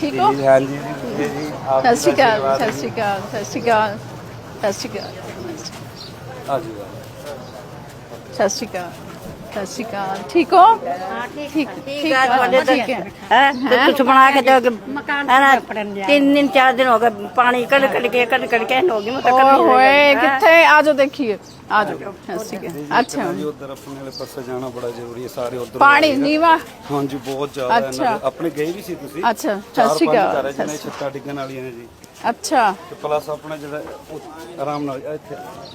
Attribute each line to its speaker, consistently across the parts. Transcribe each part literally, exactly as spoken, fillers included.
Speaker 1: ठीक हो?
Speaker 2: हाँ जी जी जी आप
Speaker 1: सत श्री अकाल, सत श्री अकाल, सत श्री अकाल, सत श्री अकाल,
Speaker 2: हाँ जी
Speaker 1: सत श्री अकाल, सत श्री अकाल। ठीक हो? ठीक ठीक है ਤੁਹਾਡੇ ਠੀਕ है
Speaker 3: है कुछ बना के दो है ना तीन दिन चार दिन हो गए पानी कड़ कड़ के कड़ कड़ के होगी मैं
Speaker 1: ओए होए किथे आ जाओ देखिए आ जाओ ठीक है अच्छा
Speaker 2: जी उधर अपने वाले पासे जाना बड़ा जरूरी है सारे उधर
Speaker 1: पानी नीवा
Speaker 2: हाँ जी बहुत ज्यादा है
Speaker 1: अच्छा।
Speaker 2: अपने गए भी सी ਤੁਸੀਂ
Speaker 1: अच्छा सत श्री अकाल
Speaker 2: ਜਿਹਨੇ ਛੱਤਾਂ ਡਿੱਗਣ ਵਾਲੀਆਂ ਨੇ ਜੀ
Speaker 1: अच्छा
Speaker 2: ਤੇ ਪਲੱਸ ਆਪਣਾ ਜਿਹੜਾ ਉਹ ਆਰਾਮ ਨਾਲ ਇੱਥੇ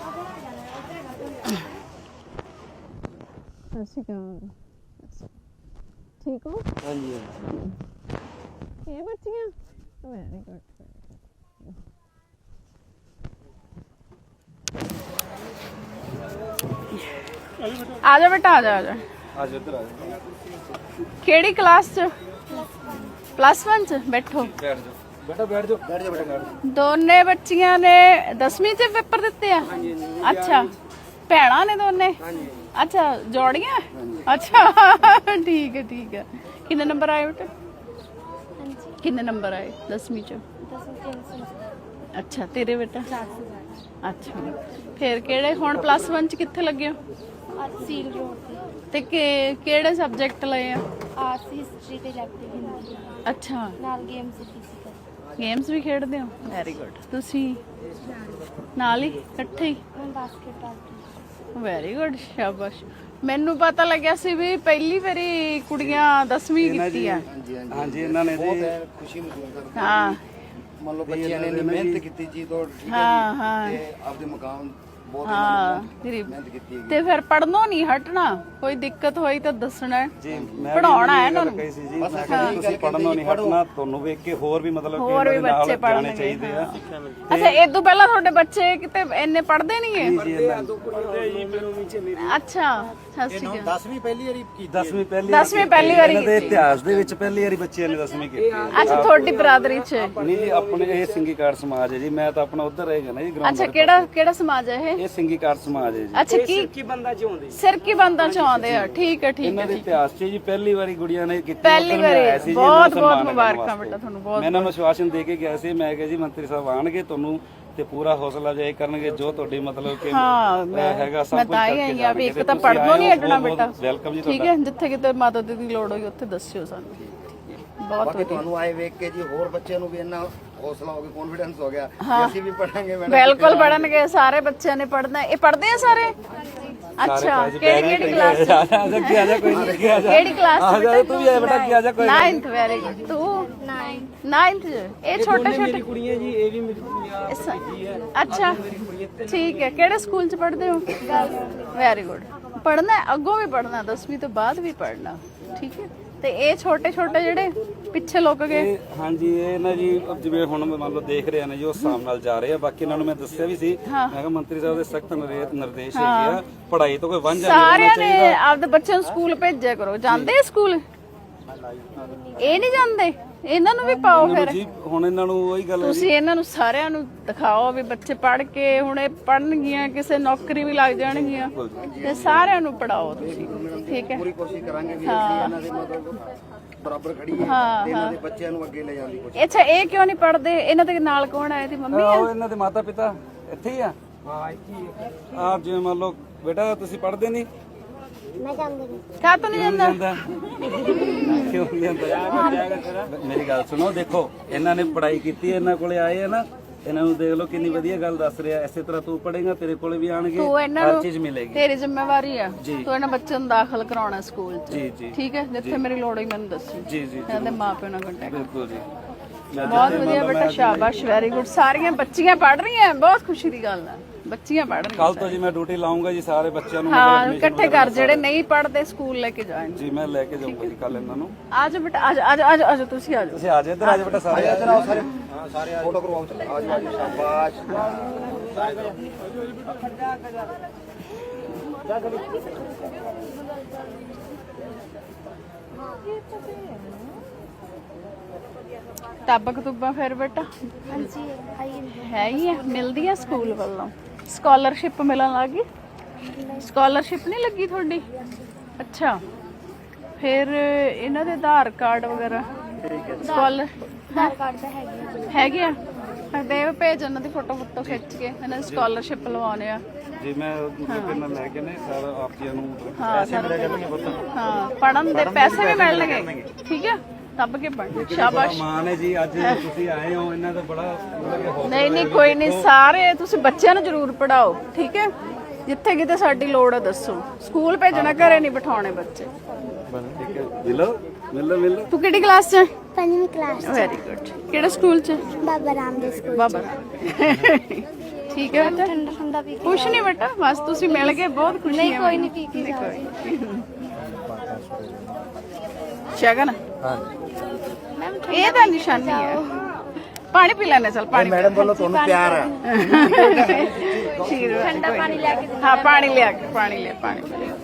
Speaker 1: सत श्री अकाल ठीक हो
Speaker 2: हाँ जी
Speaker 1: ये बच्चियां वेरी गुड आ जा बेटा आ जा आ जा
Speaker 2: आज उधर आ जाओ
Speaker 1: केड़ी क्लास च प्लस वन च बैठो
Speaker 2: बैठ जाओ बेटा बैठ जाओ बैठ जाओ बेटा बैठ जाओ
Speaker 1: ਦੋਨੇ ਬੱਚੀਆਂ ਨੇ ਦਸਵੀਂ ਚ ਪੇਪਰ ਦਿੱਤੇ ਆ ਅੱਛਾ ਭੈਣਾਂ ਨੇ ਦੋਨੇ ਅੱਛਾ ਜੋੜੀਆਂ ਅੱਛਾ ਠੀਕ ਹੈ ਠੀਕ ਹੈ ਕਿੰਨੇ ਨੰਬਰ ਆਏ ਬੇਟਾ ਕਿੰਨੇ ਨੰਬਰ ਆਏ ਦਸਵੀਂ ਚ ਅੱਛਾ ਤੇਰੇ ਬੇਟਾ ਅੱਛਾ ਫਿਰ ਕਿਹੜੇ ਹੁਣ ਪਲੱਸ वन ਚ ਕਿੱਥੇ ਲੱਗੇ ਹੋ
Speaker 4: ਸੀਲ ਰੋਡ
Speaker 1: ਤੇ ਕਿ- ਕਿਹੜੇ ਸਬਜੈਕਟ ਲਏ ਆ
Speaker 4: ਆਰਟਸ ਹਿਸਟਰੀ ਤੇ ਇਲੈਕਟਿਵ ਹਿੰਦੀ ਅੱਛਾ ਨਾਲ ਗੇਮਸ ਫਿਜ਼ੀਕਲ
Speaker 1: ਗੇਮਸ ਵੀ ਖੇਡਦੇ ਹੋ ਵੈਰੀ ਗੁੱਡ ਤੁਸੀਂ ਨਾਲ ਹੀ ਇਕੱਠੇ ਹੀ
Speaker 4: ਮੈਂ ਬਾਸਕਟਬਾਲ
Speaker 1: ਵੈਰੀ ਗੁੱਡ ਸ਼ਾਬਾਸ਼ ਮੈਨੂੰ ਪਤਾ ਲੱਗਿਆ ਸੀ ਵੀ ਪਹਿਲੀ ਵਾਰੀ ਕੁੜੀਆਂ ਦਸਵੀਂ ਕੀਤੀ ਆ
Speaker 2: हाँ जी इन्होंने जी
Speaker 5: ਖੁਸ਼ੀ ਮਹਿਸੂਸ ਕਰਦੇ
Speaker 1: ਹਾਂ
Speaker 5: ਮੰਨ ਲਓ ਬੱਚਿਆਂ ਨੇ ਇੰਨੀ ਮਿਹਨਤ ਕੀਤੀ ਜੀ ਤੋਂ ਠੀਕ ਹੈ
Speaker 1: ਹਾਂ ਹਾਂ
Speaker 5: ਤੇ ਆਪਦੇ ਮੁਕਾਮ ਬਹੁਤ
Speaker 1: ਹਾਂ ਤੇਰੀ
Speaker 5: ਮਿਹਨਤ ਕੀਤੀ
Speaker 1: ਤੇ ਫਿਰ ਪੜਨੋਂ ਨਹੀਂ ਹਟਣਾ ਕੋਈ ਦਿੱਕਤ ਹੋਈ ਤਾਂ ਦੱਸਣਾ ਹੈ।
Speaker 2: ਜੀ ਮੈਂ
Speaker 1: ਪੜਾਉਣਾ ਹੈ ਇਹਨਾਂ ਨੂੰ
Speaker 2: ਕਹੀ ਸੀ ਜੀ ਮੈਂ ਕਿਹਾ ਜੀ ਤੁਸੀਂ ਪੜਨੋਂ ਨਹੀਂ ਹਟਣਾ ਤੁਹਾਨੂੰ ਵੇਖ ਕੇ ਹੋਰ ਵੀ ਮਤਲਬ ਕਿ
Speaker 1: ਹੋਰ ਵੀ
Speaker 2: ਇਹਨਾਂ ਦੇ
Speaker 1: ਬੱਚੇ
Speaker 2: ਨਾਲ ਜਾਣੇ
Speaker 1: ਪੜ੍ਹਨਗੇ,
Speaker 2: ਚਾਹੀਦੇ ਆ
Speaker 1: ਅੱਛਾ ਇਹ ਤੋਂ ਪਹਿਲਾਂ ਤੁਹਾਡੇ ਬੱਚੇ ਕਿਤੇ ਇੰਨੇ ਪੜਦੇ ਨਹੀਂ ਹੈ
Speaker 2: ਜੀ ਇਹਨਾਂ
Speaker 1: ਅੱਛਾ ਸਤਿ ਸ਼੍ਰੀ ਅਕਾਲ
Speaker 5: ਦਸਵੀਂ ਪਹਿਲੀ ਵਾਰੀ ਕੀਤੀ
Speaker 2: ਦਸਵੀਂ ਪਹਿਲੀ
Speaker 1: ਦਸਵੀਂ ਪਹਿਲੀ ਵਾਰੀ
Speaker 2: ਇਹਨਾਂ ਦੇ ਇਤਿਹਾਸ ਦੇ ਵਿੱਚ ਪਹਿਲੀ ਵਾਰੀ ਬੱਚਿਆਂ ਨੇ ਦਸਵੀਂ ਕੀਤੀ
Speaker 1: ਅੱਛਾ ਤੁਹਾਡੀ ਬਰਾਦਰੀ ਚ
Speaker 2: ਨਹੀਂ ਜੀ ਆਪਣੇ ਇਹ ਸਿੰਗੀਕਾਰ ਸਮਾਜ ਹੈ ਜੀ ਮੈਂ ਤਾਂ ਆਪਣਾ ਉਧਰ ਰਹੇਗਾ ਨਾ ਜੀ ਗਰਾਊਂਡ
Speaker 1: ਅੱਛਾ ਕਿਹੜਾ ਕਿਹੜਾ ਸਮਾਜ ਹੈ ਇਹ
Speaker 2: ਇਹ ਸਿੰਗੀਕਾਰ ਸਮਾਜ ਹੈ ਜੀ
Speaker 1: ਅੱਛਾ ਕੀ ਸਿਰ ਕੀ ਬੰਦਾ ਚ ਆਉਂਦੇ ਸਿਰ ਕੀ ਬੰਦਾ ਚ ਆਉਂਦੇ ਆ ਠੀਕ ਹੈ ਠੀਕ
Speaker 2: ਇਹਨਾਂ
Speaker 1: ਹੈ
Speaker 2: ਦੇ ਇਤਿਹਾਸ 'ਚ ਜੀ ਪਹਿਲੀ ਵਾਰੀ ਗੁੜੀਆਂ ਨੇ ਕੀਤੀ
Speaker 1: ਪਹਿਲੀ
Speaker 2: ਉੱਧਰ ਮੈਂ ਆਇਆ
Speaker 1: ਵਾਰੀ
Speaker 2: ਸੀ ਜੀ,
Speaker 1: ਬਹੁਤ
Speaker 2: ਇਹਨਾਂ ਨੂੰ
Speaker 1: ਬਹੁਤ
Speaker 2: ਸਨਮਾਨ
Speaker 1: ਮੁਬਾਰਕਾਂ
Speaker 2: ਕਰਨ
Speaker 1: ਬੇਟਾ
Speaker 2: ਵਾਸਤੇ।
Speaker 1: ਤੁਹਾਨੂੰ ਬਹੁਤ
Speaker 2: ਮੈਂ ਇਹਨਾਂ ਨੂੰ ਆਸ਼ਵਾਸਨ ਦੇ ਕੇ ਗਿਆ ਸੀ ਮੈਂ ਕਿਹਾ ਜੀ ਮੰਤਰੀ ਸਾਹਿਬ ਆਣਗੇ ਤੁਹਾਨੂੰ ਤੇ ਪੂਰਾ ਹੌਸਲਾ ਜਾਇ ਕਰਨਗੇ ਜੋ ਤੁਹਾਡੀ ਮਤਲਬ ਕਿ
Speaker 1: ਹਾਂ
Speaker 2: ਅਹ,
Speaker 1: ਮੈਂ
Speaker 2: ਹੈਗਾ ਸਭ
Speaker 1: ਮੈਂ
Speaker 2: ਕੁਝ
Speaker 1: ਤਾਂ ਹੀ
Speaker 2: ਕਰਕੇ
Speaker 1: ਆਈ ਆ ਵੀ ਇੱਕ
Speaker 2: ਜਾਣਗੇ।
Speaker 1: ਤਾਂ
Speaker 2: ਤੁਸੀਂ
Speaker 1: ਪੜਨੋਂ ਨਹੀਂ
Speaker 2: ਆਏ ਹੋ,
Speaker 1: ਹਟਣਾ
Speaker 2: ਬਹੁਤ-
Speaker 1: ਬੇਟਾ
Speaker 2: ਬਹੁਤ ਵੈਲਕਮ ਜੀ
Speaker 1: ਠੀਕ
Speaker 2: ਤੁਹਾਡਾ
Speaker 1: ਹੈ ਜਿੱਥੇ ਕਿਤੇ ਮਾਤਾ ਦੀ ਦੀ ਲੋੜ ਹੋਈ ਉੱਥੇ ਦੱਸਿਓ ਸਾਨੂੰ ਬਹੁਤ
Speaker 5: ਬਾਕੀ
Speaker 1: ਵਧੀਆ
Speaker 5: ਤੁਹਾਨੂੰ ਆਏ ਵੇਖ ਕੇ ਜੀ ਹੋਰ ਬੱਚਿਆਂ ਨੂੰ ਵੀ ਇੰਨਾ ਹੌਸਲਾ ਹੋ ਗਿਆ ਕੌਨਫੀਡੈਂਸ ਹੋ ਗਿਆ ਕਿ ਅਸੀਂ ਵੀ ਪੜਾਂਗੇ ਮੈਡਮ
Speaker 1: ਬਿਲਕੁਲ ਪੜਨਗੇ ਸਾਰੇ ਬੱਚਿਆਂ ਨੇ ਪੜਨਾ ਇਹ ਪੜਦੇ ਆ ਸਾਰੇ ਅੱਛਾ ਕਿਹੜੀ ਕਿਹੜੀ ਕਲਾਸ ਚ
Speaker 2: ਆ ਜਾ ਕੀ ਆ ਜਾ ਕੋਈ ਨਹੀਂ ਕੀ ਆ ਜਾ
Speaker 1: ਕਿਹੜੀ ਕਲਾਸ
Speaker 2: ਆ
Speaker 1: ਚ
Speaker 2: ਜਾ ਤੂੰ ਵੀ ਆ ਬੇਟਾ ਕੀ ਆ ਜਾ ਕੋਈ
Speaker 1: ninth ਵੈਰੀ ਗੁੱਡ ਤੂੰ
Speaker 4: ਨਾਈਨਥ
Speaker 1: ninth ਚ ਇਹ ਛੋਟੇ ਛੋਟੇ
Speaker 6: ਕੁੜੀਆਂ ਜੀ ਇਹ ਵੀ ਮੇਰੀ ਕੁੜੀਆਂ
Speaker 1: ਇਸ- ਅੱਛਾ ਠੀਕ ਹੈ ਕਿਹੜੇ ਸਕੂਲ ਚ ਪੜ੍ਹਦੇ ਹੋ ਵੈਰੀ ਗੁੱਡ ਪੜਨਾ ਅੱਗੋਂ ਵੀ ਪੜਨਾ ਦਸਵੀਂ ਤੋਂ ਬਾਅਦ ਵੀ ਪੜਨਾ ਠੀਕ ਹੈ ਤੇ ਇਹ ਛੋਟੇ ਛੋਟੇ ਜਿਹੜੇ ਪਿੱਛੇ ਲੁੱਕ ਗਏ
Speaker 2: ਇਹ ਹਾਂਜੀ ਇਹ ਨਾ ਜੀ ਜਿਵੇਂ ਹੁਣ ਮੰਨ ਲਓ ਦੇਖ ਰਹੇ ਨੇ ਜੀ ਉਸ ਹਿਸਾਬ ਨਾਲ ਜਾ ਰਹੇ ਆ ਬਾਕੀ ਇਹਨਾਂ ਨੂੰ ਮੈਂ ਦੱਸਿਆ ਵੀ ਸੀ ਮੈਂ ਕਿਹਾ ਮੰਤਰੀ ਸਾਹਿਬ ਦੇ ਸਖਤ ਨਿਰਦੇਸ਼ ਹੈਗੇ ਆ ਪੜ੍ਹਾਈ ਤੋਂ ਕੋਈ ਵਾਂਝਾ ਨਹੀਂ ਰਹਿਣਾ
Speaker 1: ਸਾਰਿਆਂ ਨੇ
Speaker 2: ਚਾਹੀਦਾ
Speaker 1: ਆਪਦੇ ਬੱਚਿਆਂ ਨੂੰ ਸਕੂਲ ਭੇਜਿਆ ਕਰੋ ਜਾਂਦੇ ਆ ਸਕੂਲ ਇਹ ਨਹੀਂ ਜਾਂਦੇ ਇਹਨਾਂ ਨੂੰ ਵੀ ਪਾਓ ਫਿਰ
Speaker 2: ਜੀ ਹੁਣ ਇਹਨਾਂ ਨੂੰ ਉਹੀ ਗੱਲ ਹੈ
Speaker 1: ਤੁਸੀਂ ਇਹਨਾਂ ਨੂੰ ਸਾਰਿਆਂ ਨੂੰ ਦਿਖਾਓ ਵੀ ਬੱਚੇ ਪੜ੍ਹ ਕੇ ਹੁਣ ਇਹ ਪੜਨਗੀਆਂ ਕਿਸੇ ਨੌਕਰੀ ਵੀ ਲੱਗ ਜਾਣਗੀਆਂ ਤੇ ਸਾਰਿਆਂ ਨੂੰ ਪੜਾਓ ਤੁਸੀਂ ਠੀਕ ਹੈ
Speaker 5: ਪੂਰੀ ਕੋਸ਼ਿਸ਼ ਕਰਾਂਗੇ ਵੀ ਅਸੀਂ ਇਹਨਾਂ ਦੇ ਮਤਲਬ ਬਰਾਬਰ ਖੜੀਏ ਤੇ ਇਹਨਾਂ ਦੇ ਬੱਚਿਆਂ ਨੂੰ ਅੱਗੇ ਲੈ ਜਾਣ ਦੀ ਕੋਸ਼ਿਸ਼
Speaker 1: ਅੱਛਾ ਇਹ ਕਿਉਂ ਨਹੀਂ ਪੜਦੇ ਇਹਨਾਂ ਦੇ ਨਾਲ ਕੌਣ ਹੈ ਇਹਦੀ ਮੰਮੀ
Speaker 2: ਆਹੋ ਇਹਨਾਂ ਦੇ ਮਾਤਾ ਪਿਤਾ ਇੱਥੇ ਹੀ ਆ ਆਪ ਜਿਵੇਂ ਮੰਨ ਲਓ ਬੇਟਾ ਤੁਸੀਂ ਪੜ੍ਹਦੇ ਨਹੀਂ
Speaker 4: ਮੈਂ ਜਾਂਦੀ ਨਹੀਂ
Speaker 1: ਕਾ ਤੋਂ ਨਹੀਂ ਜਾਂਦਾ
Speaker 2: ਜਾਂਦਾ ਕਿਉਂ ਨਹੀਂ ਜਾਂਦਾ ਮੇਰੀ ਗੱਲ ਸੁਣੋ ਦੇਖੋ ਇਹਨਾਂ ਨੇ ਪੜ੍ਹਾਈ ਕੀਤੀ ਹੈ ਇਹਨਾਂ ਕੋਲੇ ਆਏ ਆ ਨਾ ਇਹਨਾਂ ਨੂੰ ਦੇਖ ਲਓ ਕਿੰਨੀ ਵਧੀਆ ਗੱਲ ਦੱਸ ਰਿਹਾ ਇਸੇ ਤਰ੍ਹਾਂ ਤੂੰ ਪੜ੍ਹੇਗਾ ਤੇਰੇ ਕੋਲੇ ਵੀ ਆਣਗੇ
Speaker 1: ਤੂੰ ਇਹਨਾਂ
Speaker 2: ਹਰ
Speaker 1: ਨੂੰ
Speaker 2: ਚੀਜ਼ ਮਿਲੇਗੀ
Speaker 1: ਤੇਰੀ ਜ਼ਿੰਮੇਵਾਰੀ ਆ ਤੂੰ ਇਹਨਾਂ ਬੱਚਿਆਂ ਨੂੰ ਦਾਖਲ ਕਰਾਉਣਾ ਸਕੂਲ 'ਚ
Speaker 2: ਜੀ ਜੀ
Speaker 1: ਠੀਕ ਹੈ ਜਿੱਥੇ ਮੇਰੀ ਲੋੜ ਹੋਈ ਮੈਨੂੰ ਦੱਸੀ
Speaker 2: ਜੀ ਜੀ
Speaker 1: ਇਹਨਾਂ ਦੇ ਮਾਪਿਆਂ ਨਾਲ ਕੰਟੈਕਟ
Speaker 2: ਬਿਲਕੁਲ ਜੀ
Speaker 1: ਬਹੁਤ ਵਧੀਆ ਬੇਟਾ ਸ਼ਾਬਾਸ਼ ਵੈਰੀ ਗੁੱਡ ਸਾਰੀਆਂ ਬੱਚੀਆਂ ਪੜ੍ਹ ਰਹੀਆਂ ਬਹੁਤ ਖੁਸ਼ੀ ਦੀ ਗੱਲ ਹੈ ਬੱਚੀਆਂ ਪੜ੍ਹ ਰਹੀਆਂ
Speaker 2: ਕੱਲ ਤੋਂ ਜੀ ਮੈਂ ਡਿਊਟੀ ਲਾਉਂਗਾ ਜੀ ਸਾਰੇ ਬੱਚਿਆਂ ਨੂੰ
Speaker 1: ਹਾਂ ਇਕੱਠੇ ਕਰ ਜਿਹੜੇ ਨਹੀਂ ਪੜ੍ਹਦੇ ਸਕੂਲ ਲੈ ਕੇ ਜਾਣ
Speaker 2: ਜੀ ਮੈਂ ਲੈ ਕੇ ਜਾਊਂਗਾ ਜੀ ਕੱਲ ਇਹਨਾਂ ਨੂੰ
Speaker 1: ਆ ਜਾਓ ਬੇਟਾ ਆ ਜਾਓ ਆ ਜਾਓ, ਆ ਜਾਓ, ਆ ਜਾਓ ਤੁਸੀਂ ਆ ਜਾਓ
Speaker 2: ਤੁਸੀਂ ਆ ਜਾਓ ਇੱਧਰ ਆ ਜਾਓ ਬੇਟਾ ਸਾਰੇ
Speaker 5: ਇੱਧਰ ਆਓ ਸਾਰੇ ਹਾਂ ਸਾਰੇ ਫੋਟੋ ਕਰਵਾਓ ਚਲੋ ਆ ਜਾਓ ਆ ਜਾਓ ਸ਼ਾਬਾਸ਼
Speaker 1: ਕਿਤਾਬਾਂ ਕਤੂਬਾਂ ਫਿਰ ਬੇਟਾ
Speaker 4: ਹਾਂਜੀ ਆਈ
Speaker 1: ਹੈ ਹੀ ਆ ਮਿਲਦੀ ਆ ਸਕੂਲ ਵੱਲੋਂ ਸਕਾਲਰਸ਼ਿਪ ਮਿਲਣ ਲੱਗੀ ਸਕਾਲਰਸ਼ਿਪ ਨਹੀਂ ਲੱਗੀ ਤੁਹਾਡੀ ਅੱਛਾ ਫਿਰ ਇਹਨਾਂ ਦੇ ਆਧਾਰ ਕਾਰਡ ਵਗੈਰਾ ਸਕਾਲਰ
Speaker 4: ਆਧਾਰ ਕਾਰਡ ਤਾਂ ਹੈਗੇ
Speaker 1: ਹੈਗੇ ਆ ਦੇ ਭੇਜ ਉਹਨਾਂ ਦੀ ਫੋਟੋ ਫੋਟੋ ਖਿੱਚ ਕੇ ਇਹਨਾਂ ਦੀ ਸਕਾਲਰਸ਼ਿਪ ਲਵਾਉਣੇ ਆ
Speaker 2: ਜੀ ਮੈਂ ਮਤਲਬ ਨਾਲ ਲੈ ਕੇ ਨੇ ਸਰ ਆਪ ਜੀ ਨੂੰ ਪੈਸੇ ਮਿਲਿਆ ਕਰਨਗੇ ਪੁੱਤ।
Speaker 1: ਹਾਂ ਪੜਨ ਦੇ ਪੈਸੇ ਵੀ ਮਿਲਣਗੇ ਠੀਕ ਆ ਦੱਬ ਕੇ ਪੜ੍ਹ ਸ਼ਾਬਾਸ਼।
Speaker 2: ਮਾਨ ਹੈ ਜੀ ਅੱਜ ਤੁਸੀਂ ਆਏ ਹੋ ਇਹਨਾਂ ਦਾ ਬੜਾ ਮਤਲਬ ਕਿ ਹੌਸਲਾ
Speaker 1: ਨਹੀਂ ਨਹੀਂ ਕੋਈ ਨਹੀਂ ਸਾਰੇ ਤੁਸੀਂ ਬੱਚਿਆਂ ਨੂੰ ਜ਼ਰੂਰ ਪੜਾਓ ਠੀਕ ਹੈ ਜਿੱਥੇ ਕਿਤੇ ਸਾਡੀ ਲੋੜ ਹੈ ਦੱਸੋ ਸਕੂਲ ਭੇਜਣਾ ਘਰੇ ਨਹੀਂ ਬਿਠਾਉਣੇ ਬੱਚੇ।
Speaker 2: ਠੀਕ ਹੈ ਮਿਲੋ ਮਿਲੋ ਮਿਲੋ।
Speaker 1: ਤੂੰ ਕਿਹੜੀ ਕਲਾਸ 'ਚ ਹੈ?
Speaker 4: ਪੰਜਵੀਂ ਕਲਾਸ
Speaker 1: ਵੈਰੀ ਗੁੱਡ ਕਿਹੜੇ ਸਕੂਲ 'ਚ?
Speaker 4: ਬਾਬਾ ਰਾਮਦੇਵ ਸਕੂਲ
Speaker 1: ਬਾਬਾ ਠੀਕ ਹੈ ਬੇਟਾ
Speaker 4: ਠੰਡਾ ਠੰਡਾ ਪੀ ਕੇ
Speaker 1: ਕੁਛ ਨਹੀਂ ਬੇਟਾ ਬਸ ਤੁਸੀਂ ਮਿਲ ਗਏ ਬਹੁਤ ਖੁਸ਼ੀ
Speaker 4: ਨਹੀਂ
Speaker 1: ਹੈ
Speaker 4: ਕੋਈ ਨਹੀਂ ਪੀ ਕੇ ਜਾਓ
Speaker 1: ਸ਼ਗਨ ਇਹ ਤਾਂ ਨਿਸ਼ਾਨੀ ਹੈ ਪਾਣੀ ਪੀ ਲੈਣੇ ਚਲ ਪਾਣੀ
Speaker 5: ਮੈਡਮ ਵੱਲੋਂ ਤੁਹਾਨੂੰ ਪਿਆਰ ਹੈ।
Speaker 1: ਠੰਡਾ ਪਾਣੀ ਲਿਆ ਕੇ ਹਾਂ ਪਾਣੀ ਲਿਆ ਕੇ ਪਾਣੀ ਲਿਆ ਪਾਣੀ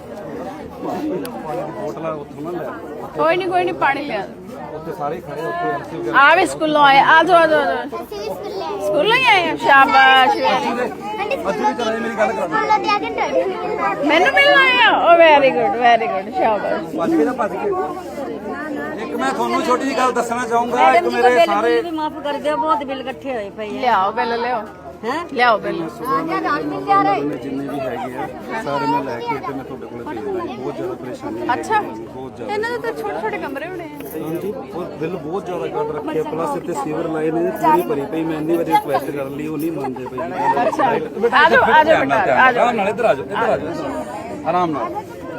Speaker 2: ਹੋਟਲਾਂ ਉੱਥੋਂ ਨਾ ਲੈ
Speaker 1: ਕੋਈ ਨਹੀਂ ਕੋਈ ਨਹੀਂ ਪਾਣੀ ਲਿਆ
Speaker 2: ਉੱਥੇ ਸਾਰੇ ਖੜੇ ਉੱਥੇ ਐਮਸੀ ਵਗੈਰਾ
Speaker 1: ਆ ਵੀ ਸਕੂਲੋਂ ਆਏ ਆ ਜਾਓ ਆ ਜਾਓ
Speaker 4: ਅਸੀਂ ਵੀ ਸਕੂਲੇ
Speaker 1: ਸਕੂਲੋਂ ਹੀ ਆਏ ਆ ਸ਼ਾਬਾਸ਼
Speaker 2: ਅੱਜ ਵੀ ਚਲਾਏ ਮੇਰੀ ਗੱਲ ਕਰਾ
Speaker 4: ਸਕੂਲੋਂ ਤੇ ਆ ਕੇ ਡਰ
Speaker 1: ਮੈਨੂੰ ਮਿਲਣ ਆਏ ਆ oh very good very good ਸ਼ਾਬਾਸ਼
Speaker 2: ਭੱਜ ਕੇ ਤਾਂ ਭੱਜ ਕੇ ਇੱਕ ਮੈਂ ਤੁਹਾਨੂੰ ਛੋਟੀ ਜਿਹੀ ਗੱਲ ਦੱਸਣਾ ਚਾਹੂੰਗਾ ਇੱਕ ਮੇਰੇ ਸਾਰੇ
Speaker 3: ਵੀ ਮਾਫ ਕਰ ਦਿਓ ਬਹੁਤ ਬਿੱਲ ਇਕੱਠੇ ਹੋਏ ਪਏ
Speaker 1: ਲਿਆਓ ਬਿੱਲ ਲਿਆਓ ਹੈ ਲਿਆਓ ਬਿੱਲ
Speaker 2: ਨੇ ਜਿੰਨੇ ਵੀ ਹੈਗੇ ਆ ਸਾਰੇ ਮੈਂ ਲੈ ਕੇ ਤੇ ਮੈਂ ਤੁਹਾਡੇ ਕੋਲੇ ਭੇਜਦਾ ਜੀ ਬਹੁਤ ਜ਼ਿਆਦਾ ਪਰੇਸ਼ਾਨੀ ਹੈ
Speaker 1: ਅੱਛਾ
Speaker 2: ਬਹੁਤ ਜ਼ਿਆਦਾ
Speaker 1: ਇਹਨਾਂ ਦੇ ਤਾਂ ਛੋਟੇ ਛੋਟੇ ਕਮਰੇ ਹੋਣੇ ਆ
Speaker 2: ਹਾਂਜੀ ਉਹ ਬਿੱਲ ਬਹੁਤ ਜ਼ਿਆਦਾ ਕੱਢ ਰੱਖਿਆ ਪਲੱਸ ਇੱਥੇ ਸੀਵਰ ਲਾਈਨ ਨੇ ਪੂਰੀ ਭਰੀ ਪਈ ਮੈਂ ਇੰਨੀ ਵਾਰੀ ਰਿਕੁਐਸਟ ਕਰਨ ਲਈ ਉਹ ਨਹੀਂ ਮੰਨਦੇ ਪਈ ਜੀ
Speaker 1: ਅੱਛਾ ਆ ਜਾਓ ਆ ਜਾਓ ਬੇਟਾ ਆ ਜਾਓ
Speaker 2: ਆਰਾਮ ਨਾਲ ਇੱਧਰ ਆ ਜਾਓ ਇੱਧਰ ਆ ਜਾਓ ਆਰਾਮ ਨਾਲ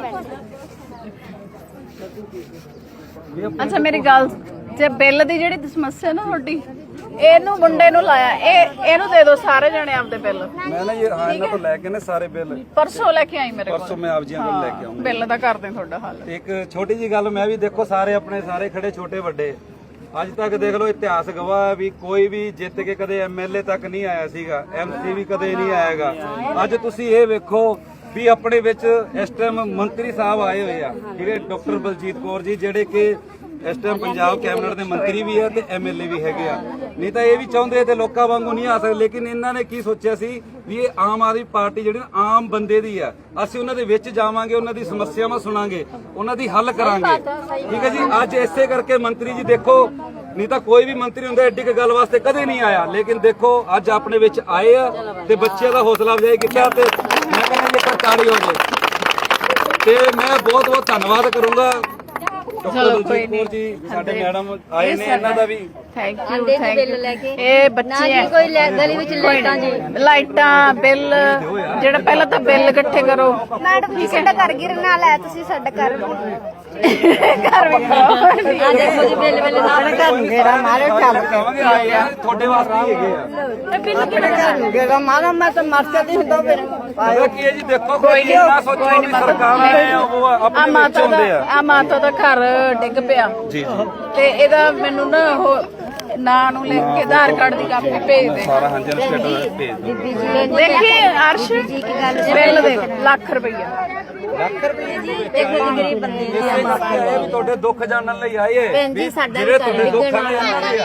Speaker 1: ਅੱਛਾ ਮੇਰੀ ਗੱਲ ਜੇ ਬਿੱਲ ਦੀ ਜਿਹੜੀ ਸਮੱਸਿਆ ਨਾ ਤੁਹਾਡੀ ਇਹਨੂੰ ਮੁੰਡੇ ਨੂੰ ਲਾਇਆ ਇਹ ਇਹਨੂੰ ਦੇ ਦਿਓ ਸਾਰੇ ਜਣੇ ਆਪਦੇ ਬਿੱਲ
Speaker 2: ਮੈਂ ਨਾ ਇਹ ਹਾਂ ਇਹਨਾਂ ਤੋਂ ਲੈ ਕੇ ਨੇ ਸਾਰੇ ਬਿੱਲ
Speaker 1: ਪਰਸੋਂ ਲੈ ਕੇ ਆਈ ਮੇਰੇ ਕੋਲ
Speaker 2: ਪਰਸੋਂ ਮੈਂ ਆਪ ਜੀਆਂ ਕੋਲ ਲੈ ਕੇ ਆਉਂਗਾ
Speaker 1: ਬਿੱਲ ਦਾ ਕਰਦੇ ਤੁਹਾਡਾ ਹੱਲ
Speaker 2: ਤੇ ਇੱਕ ਛੋਟੀ ਜੀ ਗੱਲ ਮੈਂ ਵੀ ਦੇਖੋ ਸਾਰੇ ਆਪਣੇ ਸਾਰੇ ਖੜੇ ਛੋਟੇ ਵੱਡੇ ਅੱਜ ਤੱਕ ਦੇਖ ਲਓ ਇਤਿਹਾਸ ਗਵਾਹ ਹੈ ਵੀ ਕੋਈ ਵੀ ਜਿੱਤ ਕੇ ਕਦੇ ਐਮਐਲਏ ਤੱਕ ਨਹੀਂ ਆਇਆ ਸੀਗਾ ਐਮਸੀ ਵੀ ਕਦੇ ਨਹੀਂ ਆਏਗਾ ਅੱਜ ਤੁਸੀਂ ਇਹ ਵੇਖੋ ਵੀ ਆਪਣੇ ਵਿੱਚ ਇਸ ਟਾਈਮ ਮੰਤਰੀ ਸਾਹਿਬ ਆਏ ਹੋਏ ਆ ਠੀਕ ਹੈ ਡਾਕਟਰ ਬਲਜੀਤ ਕੌਰ ਜੀ ਜਿਹੜੇ ਕਿ ਇਸ ਟਾਈਮ ਪੰਜਾਬ ਕੈਬਨਿਟ ਦੇ ਮੰਤਰੀ ਵੀ ਆ ਤੇ ਐਮਐਲਏ ਵੀ ਹੈਗੇ ਆ ਨਹੀਂ ਤਾਂ ਇਹ ਵੀ ਚਾਹੁੰਦੇ ਤੇ ਲੋਕਾਂ ਵਾਂਗੂ ਨਹੀਂ ਆ ਸਕਦੇ ਲੇਕਿਨ ਇਹਨਾਂ ਨੇ ਕੀ ਸੋਚਿਆ ਸੀ ਵੀ ਇਹ ਆਮ ਆਦਮੀ ਪਾਰਟੀ ਜਿਹੜੀ ਆਮ ਬੰਦੇ ਦੀ ਆ ਅਸੀਂ ਉਹਨਾਂ ਦੇ ਵਿੱਚ ਜਾਵਾਂਗੇ ਉਹਨਾਂ ਦੀ ਸਮੱਸਿਆਵਾਂ ਸੁਣਾਂਗੇ ਉਹਨਾਂ ਦੀ ਹੱਲ ਕਰਾਂਗੇ ਠੀਕ ਹੈ ਜੀ ਅੱਜ ਇਸੇ ਕਰਕੇ ਮੰਤਰੀ ਜੀ ਦੇਖੋ ਨਹੀਂ ਤਾਂ ਕੋਈ ਵੀ ਮੰਤਰੀ ਹੁੰਦਾ ਐਡੀ ਕੁ ਗੱਲ ਵਾਸਤੇ ਕਦੇ ਨਹੀਂ ਆਇਆ ਲੇਕਿਨ ਦੇਖੋ ਅੱਜ ਆਪਣੇ ਵਿੱਚ ਆਏ ਆ ਤੇ ਬੱਚਿਆਂ ਦਾ ਹੌਸਲਾ ਅਫਜ਼ਾਈ ਕੀਤਾ ਤੇ ਮੈਂ ਕਹਿੰਦਾ ਜੀ ਇੱਕ ਤਾੜੀ ਹੋ ਜਾਏ ਤੇ ਮੈਂ ਬਹੁਤ ਬਹੁਤ ਧੰਨਵਾਦ ਕਰੂੰਗਾ ਡਾਕਟਰ ਬਲਜੀਤ ਕੌਰ ਜੀ ਸਾਡੇ ਮੈਡਮ ਆਏ ਨੇ ਇਹਨਾਂ ਦਾ ਵੀ
Speaker 1: ਥੈਂਕ ਯੂ ਥੈਂਕ ਯੂ ਇਹ ਬੱਚੇ ਹੈ
Speaker 3: ਕੋਈ ਗਲੀ ਵਿੱਚ ਲਾਈਟਾਂ ਜੀ
Speaker 1: ਲਾਈਟਾਂ ਬਿੱਲ ਜਿਹੜਾ ਪਹਿਲਾਂ ਤਾਂ ਬਿੱਲ ਇਕੱਠੇ ਕਰੋ
Speaker 4: ਮੈਡਮ ਜੀ ਸਾਡਾ ਘਰ ਗਿਰਨ ਵਾਲਾ ਹੈ ਤੁਸੀਂ ਸਾਡਾ ਘਰ
Speaker 1: ਘਰ ਵੀ ਕਰੋ
Speaker 3: ਆ ਦੇਖੋ ਜੀ ਬਿੱਲ ਬਿੱਲ ਨਾਲ ਘਰ ਨੂੰ ਘੇਰਾ ਮਾਰੇ ਚੱਲ
Speaker 2: ਕਹਾਂਗੇ ਆਏ ਆ ਤੁਹਾਡੇ ਵਾਸਤੇ ਹੀ ਹੈਗੇ ਆ
Speaker 1: ਬਿੱਲ ਕਿਹੜਾ
Speaker 3: ਘਰ ਨੂੰ ਘੇਰਾ ਮਾਰਾ ਮੈਂ ਤਾਂ ਮਰ ਸਕਦੀ ਹੁੰਦਾ ਫਿਰ
Speaker 2: ਪਤਾ ਕੀ ਹੈ ਜੀ ਦੇਖੋ ਕੋਈ ਨਾ ਸੋਚੋ ਵੀ ਸਰਕਾਰ ਆਏ ਆ ਉਹ
Speaker 1: ਆ
Speaker 2: ਆਪਣੇ ਵਿੱਚ
Speaker 1: ਮਾਤਾ ਦਾ
Speaker 2: ਹੁੰਦੇ ਆ
Speaker 1: ਆ ਮਾਤਾ ਦਾ ਘਰ ਡਿੱਗ ਪਿਆ
Speaker 2: ਜੀ ਜੀ
Speaker 1: ਤੇ ਇਹਦਾ ਮੈਨੂੰ ਨਾ ਉਹ ਨਾਂ ਨੂੰ ਲਿਖ ਕੇ ਆਧਾਰ ਕਾਰਡ ਦੀ ਕਾਪੀ ਭੇਜ ਦੇ
Speaker 2: ਸਾਰਾ ਹਾਂਜੀ ਸਟੇਟਸ ਭੇਜ ਦਿਓ
Speaker 1: ਦੇਖੀ ਅਰਸ਼ ਬਿੱਲ ਦੇਖ ਲੱਖ ਰੁਪਈਆ
Speaker 2: ਲੱਖ ਰੁਪਏ ਦੀ
Speaker 3: ਦੇਖੋ ਜੀ ਗਰੀਬ ਬੰਦੇ ਦੀ
Speaker 2: ਇਹ ਵੀ ਤੁਹਾਡੇ ਦੁੱਖ ਜਾਣਨ ਲਈ ਆਏ ਵੀ ਜਿਹੜੇ ਤੁਹਾਡੇ ਦੁੱਖ ਨੇ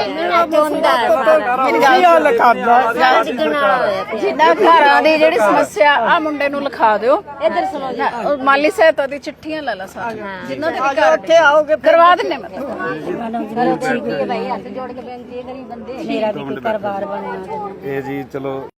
Speaker 1: ਜਿੰਨਾ ਘਰਾਂ ਦੀ ਜਿਹੜੀ ਸਮੱਸਿਆ ਆ ਮੁੰਡੇ ਨੂੰ ਲਿਖਾ ਦਿਓ ਇੱਧਰ ਸੁਣੋ ਮਾਲੀ ਸਹਾਇਤਾ ਦੀ ਚਿੱਠੀਆਂ ਲੈ ਲਾ ਸਾਰੀਆਂ ਜਿੰਨਾਂ ਦੇ ਘਰ ਉੱਥੇ ਆਓਗੇ ਕਰਵਾ ਦਿੰਨੇ ਮੈਂ
Speaker 3: ਭਾਈ ਹੱਥ ਜੋੜ ਕੇ ਬੇਨਤੀ ਹੈ ਗਰੀਬ ਬੰਦੇ ਮੇਰਾ ਵੀ ਕੋਈ ਘਰ-ਬਾਰ ਬਣਿਆ
Speaker 2: ਇਹ ਜੀ ਚਲੋ